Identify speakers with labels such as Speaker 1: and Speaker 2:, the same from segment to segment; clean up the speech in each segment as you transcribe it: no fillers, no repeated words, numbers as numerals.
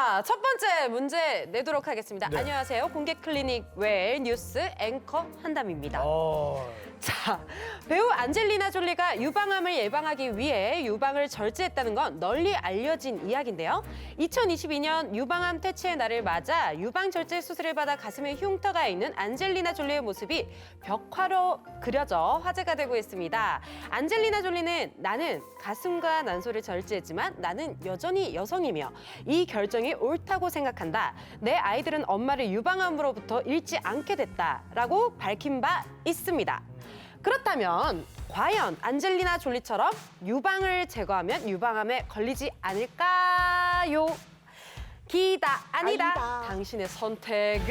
Speaker 1: 자, 첫 번째 문제 내도록 하겠습니다.
Speaker 2: 네.
Speaker 1: 안녕하세요. 공개 클리닉 웰 뉴스 앵커 한담입니다. 자, 배우 안젤리나 졸리가 유방암을 예방하기 위해 유방을 절제했다는 건 널리 알려진 이야기인데요. 2022년 유방암 퇴치의 날을 맞아 유방 절제 수술을 받아 가슴에 흉터가 있는 안젤리나 졸리의 모습이 벽화로 그려져 화제가 되고 있습니다. 안젤리나 졸리는 나는 가슴과 난소를 절제했지만 나는 여전히 여성이며 이 결정이 옳다고 생각한다. 내 아이들은 엄마를 유방암으로부터 잃지 않게 됐다라고 밝힌 바 있습니다. 그렇다면 과연 안젤리나 졸리처럼 유방을 제거하면 유방암에 걸리지 않을까요? 기다 아니다.
Speaker 3: 아니다.
Speaker 1: 당신의 선택은?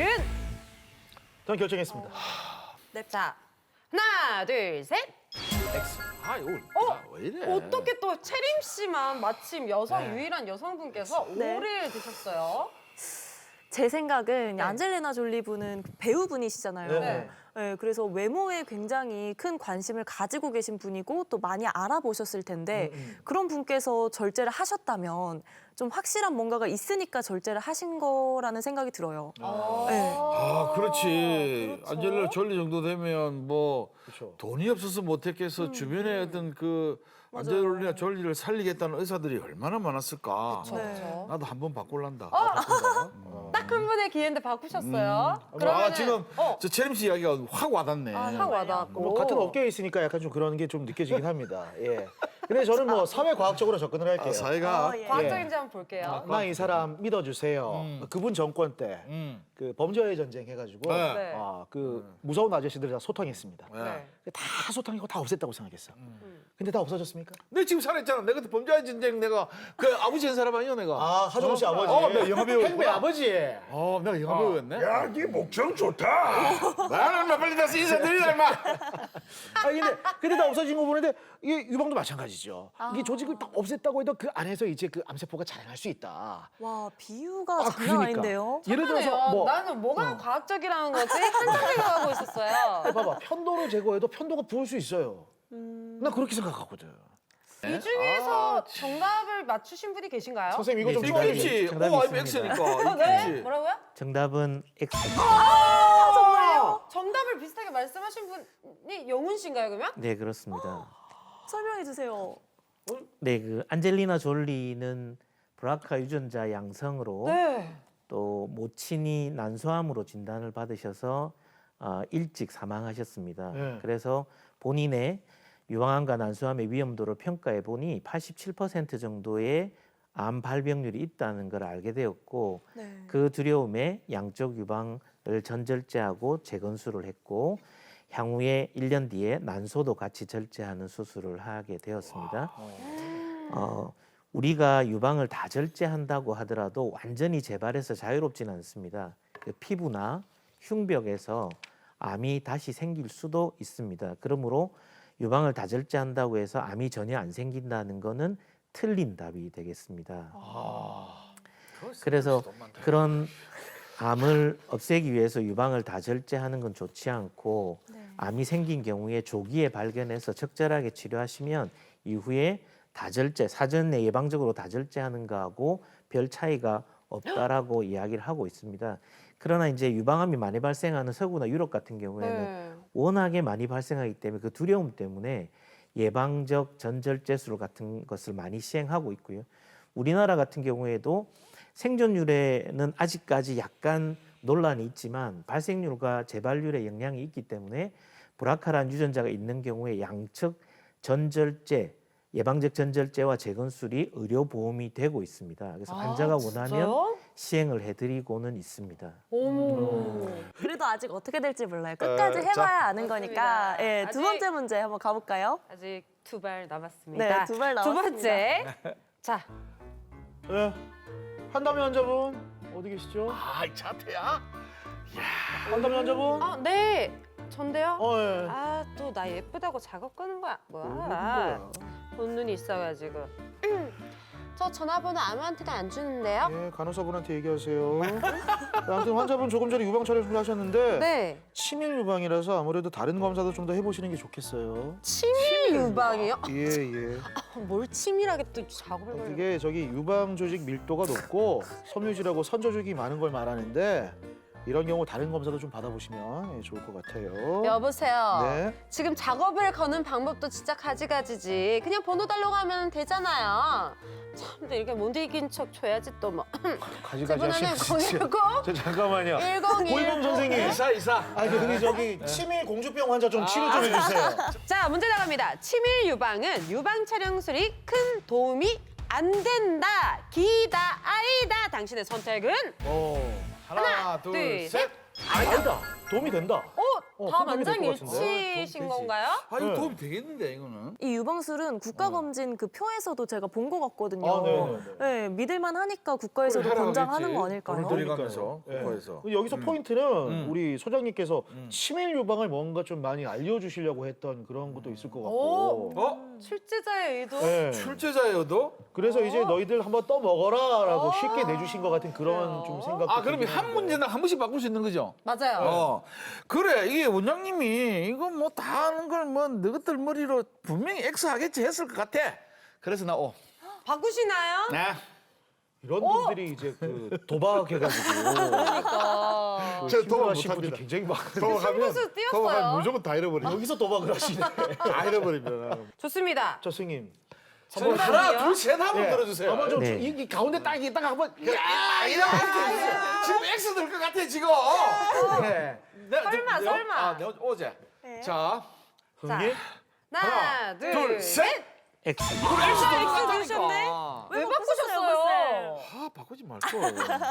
Speaker 2: 저는 결정했습니다.
Speaker 1: 자, 하나, 둘, 셋.
Speaker 2: X. 아, 이거 왜 이래?
Speaker 1: 어떻게 또 채림 씨만 마침 여성
Speaker 2: 네.
Speaker 1: 유일한 여성분께서
Speaker 3: 네.
Speaker 1: 오리를 드셨어요?
Speaker 3: 제 생각은
Speaker 1: 네.
Speaker 3: 안젤리나 졸리 분은 배우분이시잖아요.
Speaker 2: 네.
Speaker 3: 네, 그래서 외모에 굉장히 큰 관심을 가지고 계신 분이고 또 많이 알아보셨을 텐데 그런 분께서 절제를 하셨다면 좀 확실한 뭔가가 있으니까 절제를 하신 거라는 생각이 들어요. 네.
Speaker 4: 아, 그렇지.
Speaker 1: 그렇죠.
Speaker 4: 안젤리나 졸리 정도 되면 뭐
Speaker 2: 그렇죠.
Speaker 4: 돈이 없어서 못했겠어. 주변에 어떤 그 안젤리나 졸리를 살리겠다는 의사들이 얼마나 많았을까.
Speaker 1: 그렇죠.
Speaker 3: 네.
Speaker 4: 나도 한번 바꿀란다.
Speaker 2: 바꾼다.
Speaker 1: 딱 한 번의 기회인데 바꾸셨어요.
Speaker 4: 아, 지금
Speaker 1: 어,
Speaker 4: 저 채림 씨 이야기가 확 와닿네.
Speaker 1: 확 와닿고.
Speaker 2: 뭐 같은 업계에 있으니까 약간 좀 그런 게 좀 느껴지긴 합니다. 예. 근데 저는 뭐 사회과학적으로 접근을 할게요.
Speaker 4: 아, 사회가.
Speaker 3: 예.
Speaker 1: 과학적인지 한번 볼게요.
Speaker 2: 나 이 사람 믿어주세요. 그분 정권 때 그 범죄의 전쟁 해가지고
Speaker 4: 네.
Speaker 1: 네.
Speaker 2: 그 무서운 아저씨들 다 소탕했습니다.
Speaker 1: 네.
Speaker 2: 다 소탕이고 다 없앴다고 생각했어. 근데 다 없어졌습니까?
Speaker 4: 내 지금 살았잖아. 내가 그때 범죄의 전쟁 내가 그 아버지 한 사람 아니야 내가.
Speaker 2: 아 하정우 씨 아버지.
Speaker 4: 내가 영화 배우.
Speaker 2: 행배 아버지.
Speaker 4: 내가 영화 배우였네.
Speaker 5: 야, 네 목청 좋다.
Speaker 4: 나는 막 빨리 다시 인사드리라 임마.
Speaker 2: 근데 다 없어진 거 보는데 이게 유방도 마찬가지죠. 이게 조직을 딱 없앴다고 해도 그 안에서 이제 그 암세포가 자라날 수 있다.
Speaker 3: 와, 비유가
Speaker 2: 아,
Speaker 3: 장난 아닌데요?
Speaker 2: 예를 들어서
Speaker 1: 잠깐만요.
Speaker 2: 뭐
Speaker 1: 나는 뭐가 과학적이라는 거지? 한참 생각하고 있었어요.
Speaker 2: 봐봐 편도를 제거해도 편도가 부을 수 있어요. 나 그렇게 생각하거든.
Speaker 1: 이 중에서 정답을 맞추신 분이 계신가요?
Speaker 2: 선생님 이거 좀
Speaker 4: 이거 입시.
Speaker 6: 정답이
Speaker 4: 오,
Speaker 6: 있습니다.
Speaker 4: X니까.
Speaker 1: 네? 뭐라고요?
Speaker 6: 정답은 X.
Speaker 1: 정답을 비슷하게 말씀하신 분이 영훈 씨인가요, 그러면?
Speaker 6: 네, 그렇습니다.
Speaker 3: 설명해 주세요.
Speaker 6: 네, 그 안젤리나 졸리는 브라카 유전자 양성으로
Speaker 1: 네.
Speaker 6: 또 모친이 난소암으로 진단을 받으셔서 일찍 사망하셨습니다.
Speaker 2: 네.
Speaker 6: 그래서 본인의 유방암과 난소암의 위험도를 평가해 보니 87% 정도의 암 발병률이 있다는 걸 알게 되었고
Speaker 3: 네.
Speaker 6: 그 두려움에 양쪽 유방을 전절제하고 재건수를 했고 향후에 1년 뒤에 난소도 같이 절제하는 수술을 하게 되었습니다. 우리가 유방을 다 절제한다고 하더라도 완전히 재발해서 자유롭지는 않습니다. 그 피부나 흉벽에서 암이 다시 생길 수도 있습니다. 그러므로 유방을 다 절제한다고 해서 암이 전혀 안 생긴다는 거는 틀린 답이 되겠습니다. 그래서 그런 암을 없애기 위해서 유방을 다 절제하는 건 좋지 않고 암이 생긴 경우에 조기에 발견해서 적절하게 치료하시면 이후에 다절제, 사전에 예방적으로 다절제하는 거하고 별 차이가 없다라고 이야기를 하고 있습니다. 그러나 이제 유방암이 많이 발생하는 서구나 유럽 같은 경우에는
Speaker 1: 네.
Speaker 6: 워낙에 많이 발생하기 때문에 그 두려움 때문에 예방적 전절제술 같은 것을 많이 시행하고 있고요. 우리나라 같은 경우에도 생존율에는 아직까지 약간 논란이 있지만 발생률과 재발률에 영향이 있기 때문에 브라카라는 유전자가 있는 경우에 양측 전절제, 예방적 전절제와 재건술이 의료보험이 되고 있습니다. 그래서 환자가 원하면
Speaker 1: 진짜요?
Speaker 6: 시행을 해드리고는 있습니다.
Speaker 1: 오.
Speaker 3: 그래도 아직 어떻게 될지 몰라요. 끝까지
Speaker 4: 자.
Speaker 3: 해봐야 아는
Speaker 1: 맞습니다.
Speaker 3: 거니까. 예, 두
Speaker 1: 아직-
Speaker 3: 번째 문제 한번 가볼까요?
Speaker 1: 아직 두 발 남았습니다.
Speaker 3: 네, 두발
Speaker 1: 두
Speaker 3: 남았습니다.
Speaker 1: 번째. 자,
Speaker 2: 예. 한담의 환자분 어디 계시죠?
Speaker 4: 아, 이 차태야?
Speaker 2: 한담의 환자분?
Speaker 1: 네. 전데요?
Speaker 2: 예.
Speaker 1: 아, 또 나 예쁘다고 작업 끄는 거야. 뭐야?
Speaker 2: 뭐야?
Speaker 1: 본 눈이 있어가지고. 저 전화번호 아무한테도 안 주는데요.
Speaker 2: 예, 간호사분한테 얘기하세요. 아무튼 환자분 조금 전에 유방 촬영을 하셨는데
Speaker 1: 네.
Speaker 2: 치밀 유방이라서 아무래도 다른 검사도 좀 더 해보시는 게 좋겠어요.
Speaker 1: 치밀 유방이요?
Speaker 2: 예, 예.
Speaker 1: 뭘 치밀하게 또 작업을 걸려.
Speaker 2: 이게 저기 유방 조직 밀도가 높고 섬유질하고 선조직이 많은 걸 말하는데 이런 경우 다른 검사도 좀 받아보시면 좋을 것 같아요.
Speaker 1: 여보세요.
Speaker 2: 네.
Speaker 1: 지금 작업을 거는 방법도 진짜 가지가지지. 그냥 번호 달라고 하면 되잖아요. 참, 근데 이렇게 못 이긴 척 줘야지 또 뭐.
Speaker 2: 가지가지
Speaker 1: 이번에는
Speaker 2: 하시면 진짜.
Speaker 1: 019
Speaker 2: 저 잠깐만요.
Speaker 1: 101.
Speaker 2: 고이범 선생님.
Speaker 4: 이사.
Speaker 2: 아, 근데 저기 치밀 공주병 환자 좀 치료 좀 해주세요.
Speaker 1: 자, 문제 나갑니다. 치밀 유방은 유방 촬영술이 큰 도움이 안 된다. 기다, 아이다. 당신의 선택은?
Speaker 4: 하나,
Speaker 1: 둘,
Speaker 4: 둘,
Speaker 1: 셋.
Speaker 4: 셋.
Speaker 2: 아니다. 도움이 된다.
Speaker 1: 다
Speaker 2: 도움이 될것 같은데.
Speaker 1: 만장일치이신 건가요?
Speaker 4: 아, 이거
Speaker 2: 네.
Speaker 4: 도움이 되겠는데 이거는.
Speaker 3: 이 유방술은 국가검진 그 표에서도 제가 본 것 같거든요.
Speaker 2: 아, 네네네.
Speaker 3: 네, 믿을만 하니까 국가에서도
Speaker 4: 그걸 하라고
Speaker 3: 권장하는
Speaker 4: 했지.
Speaker 3: 거 아닐까요?
Speaker 4: 돈을 들여가면서
Speaker 2: 예.
Speaker 4: 국가에서.
Speaker 2: 여기서 포인트는 우리 소장님께서 치밀 유방을 뭔가 좀 많이 알려주시려고 했던 그런 것도 있을 것 같고.
Speaker 1: 출제자의 의도?
Speaker 2: 예.
Speaker 4: 출제자여도?
Speaker 2: 그래서 이제 너희들 한번 떠 먹어라라고 쉽게 내주신 것 같은 그런 좀 생각.
Speaker 4: 아, 그러면 한 문제당 한 번씩 바꿀 수 있는 거죠?
Speaker 1: 맞아요.
Speaker 4: 그래, 이게 원장님이 이거 뭐 다 하는 걸 뭐 너희들 머리로 분명히 X 하겠지 했을 것 같아. 그래서 나 O.
Speaker 1: 바꾸시나요?
Speaker 4: 네.
Speaker 2: 이런 분들이 이제 그 도박해가지고
Speaker 1: 그러니까.
Speaker 4: 저 도박
Speaker 2: 도박하신 분들
Speaker 4: 못합니다.
Speaker 2: 굉장히 많아요.
Speaker 1: 승부수 띄었어요.
Speaker 4: 무조건 다 잃어버려.
Speaker 2: 여기서 도박을 하시네.
Speaker 4: 다 잃어버리면.
Speaker 1: 좋습니다.
Speaker 2: 저 승님.
Speaker 1: 정답이요?
Speaker 4: 하나, 둘, 셋 한번
Speaker 2: 예.
Speaker 4: 들어주세요.
Speaker 2: 한번 좀
Speaker 6: 네.
Speaker 2: 이 가운데 딱 있다가 한번
Speaker 4: 지금 X 될 것 같아, 지금. 네.
Speaker 1: 설마.
Speaker 4: 아, 내가 어제. 자.
Speaker 2: 흥님.
Speaker 1: 하나, 둘, 셋.
Speaker 6: X.
Speaker 1: X 누르셨네? 왜 바꾸셨어요?
Speaker 4: 아, 바꾸지 말걸.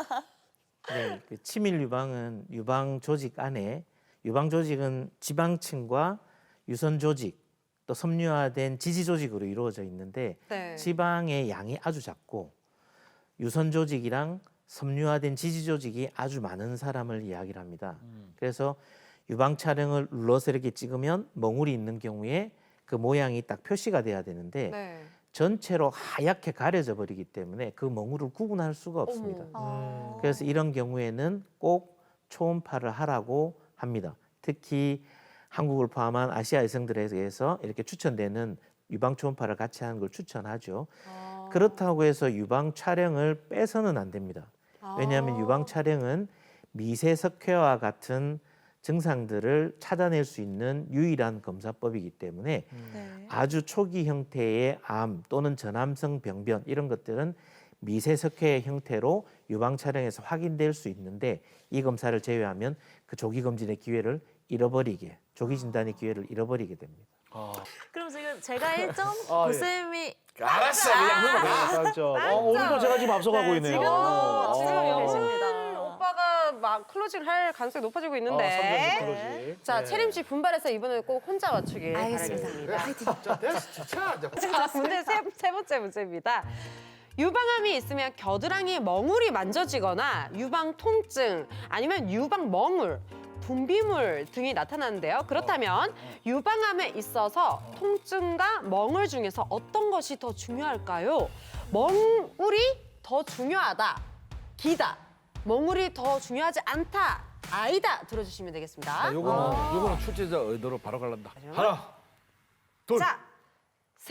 Speaker 6: 네, 그 치밀 유방은 유방 조직 안에 유방 조직은 지방층과 유선 조직 또 섬유화된 지지 조직으로 이루어져 있는데
Speaker 1: 네.
Speaker 6: 지방의 양이 아주 작고 유선 조직이랑 섬유화된 지지 조직이 아주 많은 사람을 이야기를 합니다. 그래서 유방 촬영을 눌러서 이렇게 찍으면 멍울이 있는 경우에 그 모양이 딱 표시가 돼야 되는데
Speaker 1: 네.
Speaker 6: 전체로 하얗게 가려져 버리기 때문에 그 멍울을 구분할 수가 없습니다. 그래서 이런 경우에는 꼭 초음파를 하라고 합니다. 특히 한국을 포함한 아시아 여성들에게서 이렇게 추천되는 유방 초음파를 같이 하는 걸 추천하죠. 그렇다고 해서 유방 촬영을 빼서는 안 됩니다. 왜냐하면 유방 촬영은 미세석회와 같은 증상들을 찾아낼 수 있는 유일한 검사법이기 때문에
Speaker 3: 네.
Speaker 6: 아주 초기 형태의 암 또는 전암성 병변 이런 것들은 미세석회의 형태로 유방 촬영에서 확인될 수 있는데 이 검사를 제외하면 그 조기 검진의 기회를 잃어버리게 조기 진단의 기회를 잃어버리게 됩니다.
Speaker 3: 그럼 지금 제가 1점,
Speaker 2: 아, 예.
Speaker 3: 고쌤이
Speaker 4: 알았어, 그냥 넘어가.
Speaker 2: 맞죠. 오늘도 제가 지금 앞서가고
Speaker 3: 네,
Speaker 2: 있네요.
Speaker 3: 지금도
Speaker 1: 지금
Speaker 3: 앞서고
Speaker 1: 영훈
Speaker 3: 계십니다.
Speaker 1: 오빠가 막 클로징 할 가능성이 높아지고 있는데.
Speaker 2: 클로징.
Speaker 1: 자, 채림 씨 분발해서 이번에 꼭 혼자 맞추길
Speaker 3: 알겠습니다.
Speaker 1: 바라겠습니다.
Speaker 4: 자, 됐어. 자,
Speaker 1: 자, 문제 세 번째 문제입니다. 유방암이 있으면 겨드랑이 멍울이 만져지거나 유방 통증 아니면 유방 멍울, 분비물 등이 나타나는데요. 그렇다면 유방암에 있어서 통증과 멍울 중에서 어떤 것이 더 중요할까요? 멍울이 더 중요하다, 기다, 멍울이 더 중요하지 않다, 아니다 들어주시면 되겠습니다.
Speaker 4: 요거는 출제자 의도로 바로 갈란다. 하나, 둘.
Speaker 1: 자, 셋!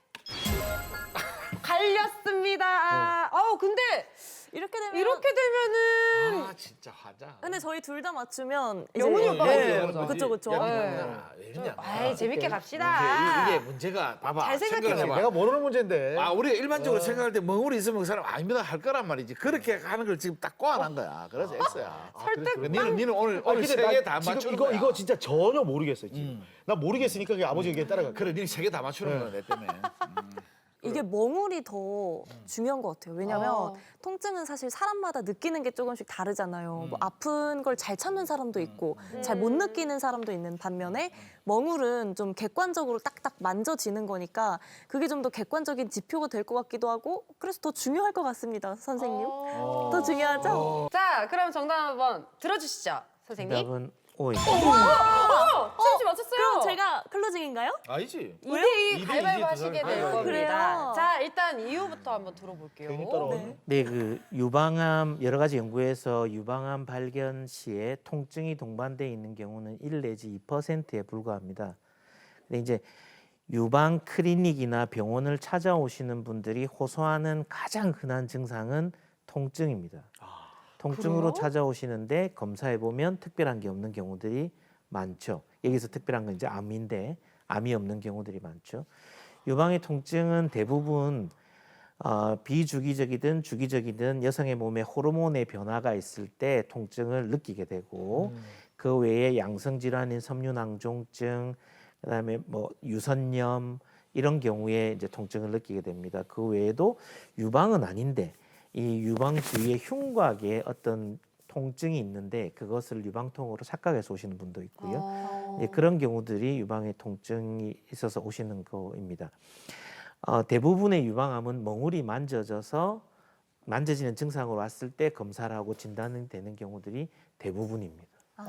Speaker 1: 갈렸습니다. 근데
Speaker 3: 이렇게 되면
Speaker 1: 이렇게 되면은
Speaker 4: 아, 진짜 하자.
Speaker 3: 근데 저희 둘 다 맞추면 이제
Speaker 1: 영훈이 오빠가
Speaker 3: 네,
Speaker 1: 이기는 거죠.
Speaker 3: 그쵸 그쵸.
Speaker 4: 왜냐?
Speaker 1: 아이, 재밌게 갑시다.
Speaker 4: 이게 문제가 봐봐.
Speaker 1: 잘 생각해
Speaker 4: 생각을 해봐.
Speaker 2: 내가 모르는 문제인데.
Speaker 4: 아, 우리가 일반적으로 생각할 때 멍울이 있으면 그 사람 아닙니다 할 거란 말이지. 그렇게 하는 걸 지금 딱 꼬아난 거야. 그래서 X야.
Speaker 1: 설득
Speaker 4: 니는 오늘
Speaker 2: 근데
Speaker 4: 세 개 다
Speaker 2: 지금
Speaker 4: 맞추는
Speaker 2: 이거
Speaker 4: 거야.
Speaker 2: 이거 진짜 전혀 모르겠어요. 지금. 나 모르겠으니까 그냥 아버지 얘기에 따라가.
Speaker 4: 그래, 니는 세 개 다 맞추는 거야, 내 때문에.
Speaker 3: 이게 멍울이 더 중요한 것 같아요. 왜냐면
Speaker 1: 어.
Speaker 3: 통증은 사실 사람마다 느끼는 게 조금씩 다르잖아요. 뭐 아픈 걸 잘 참는 사람도 있고 잘 못 느끼는 사람도 있는 반면에 멍울은 좀 객관적으로 딱딱 만져지는 거니까 그게 좀 더 객관적인 지표가 될 것 같기도 하고 그래서 더 중요할 것 같습니다, 선생님. 더 중요하죠?
Speaker 1: 자, 그럼 정답 한번 들어주시죠, 선생님.
Speaker 6: 정답은 O입니다.
Speaker 1: 수영 씨 맞췄어요.
Speaker 3: 그럼 제가 클로징인가요?
Speaker 4: 아니지.
Speaker 1: 2대2
Speaker 4: 2대2
Speaker 1: 가위바위보
Speaker 4: 두
Speaker 1: 하시게
Speaker 4: 사람이.
Speaker 1: 될
Speaker 3: 아,
Speaker 1: 겁니다.
Speaker 3: 그래요?
Speaker 1: 자, 일단 이유부터 한번 들어볼게요.
Speaker 2: 괜히 따라오네.
Speaker 6: 네, 그 유방암 여러 가지 연구에서 유방암 발견 시에 통증이 동반돼 있는 경우는 1 내지 2%에 불과합니다. 근데 이제 유방 클리닉이나 병원을 찾아오시는 분들이 호소하는 가장 흔한 증상은 통증입니다. 통증으로
Speaker 1: 그래요?
Speaker 6: 찾아오시는데 검사해 보면 특별한 게 없는 경우들이 많죠. 여기서 특별한 건 이제 암인데 암이 없는 경우들이 많죠. 유방의 통증은 대부분 비주기적이든 주기적이든 여성의 몸에 호르몬의 변화가 있을 때 통증을 느끼게 되고 그 외에 양성 질환인 섬유낭종증, 그다음에 뭐 유선염 이런 경우에 이제 통증을 느끼게 됩니다. 그 외에도 유방은 아닌데 이 유방 주위에 흉곽에 어떤 통증이 있는데 그것을 유방통으로 착각해서 오시는 분도 있고요. 예, 그런 경우들이 유방에 통증이 있어서 오시는 거입니다. 대부분의 유방암은 멍울이 만져져서 만져지는 증상으로 왔을 때 검사를 하고 진단이 되는 경우들이 대부분입니다.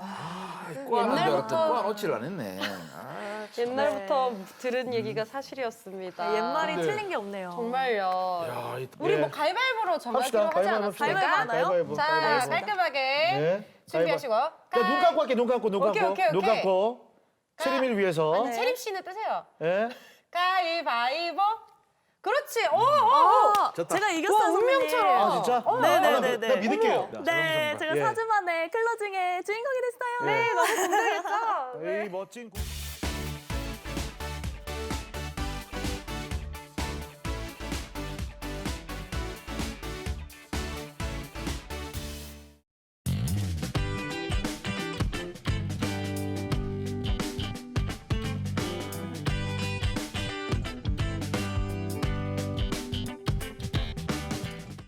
Speaker 1: 옛날부터
Speaker 4: 놓칠 안 했네. 아,
Speaker 1: 옛날부터 들은 얘기가 사실이었습니다.
Speaker 3: 옛말이
Speaker 4: 근데-
Speaker 3: 틀린 게 없네요.
Speaker 1: 정말요.
Speaker 2: 야,
Speaker 1: 우리
Speaker 2: 예.
Speaker 1: 뭐 가위바위보로 정하기로
Speaker 2: 합시다.
Speaker 1: 하지
Speaker 2: 가위바위보 합시다.
Speaker 1: 않았습니까?
Speaker 3: 가위바위보 하나요?
Speaker 1: 자,
Speaker 2: 가위바위보.
Speaker 1: 깔끔하게
Speaker 2: 네.
Speaker 1: 준비하시고.
Speaker 2: 자, 눈 감고 할게. 눈 감고. 눈
Speaker 1: 오케이,
Speaker 2: 감고.
Speaker 1: 오케이,
Speaker 2: 눈
Speaker 1: 오케이.
Speaker 2: 감고. 세림이를 위해서.
Speaker 1: 아니, 채림 씨는 뜨세요.
Speaker 2: 예.
Speaker 1: 가위바위보. 그렇지. 오, 오, 오.
Speaker 3: 아,
Speaker 4: 좋다.
Speaker 3: 제가 이겼어요,
Speaker 1: 와,
Speaker 3: 선배님.
Speaker 1: 운명처럼.
Speaker 2: 아, 진짜?
Speaker 3: 네네네네.
Speaker 2: 나 믿을게요.
Speaker 3: 네, 제가
Speaker 2: 예.
Speaker 3: 4주 만에 클로징의 주인공이 됐어요.
Speaker 1: 네, 너무 궁금했어.
Speaker 2: 이 멋진.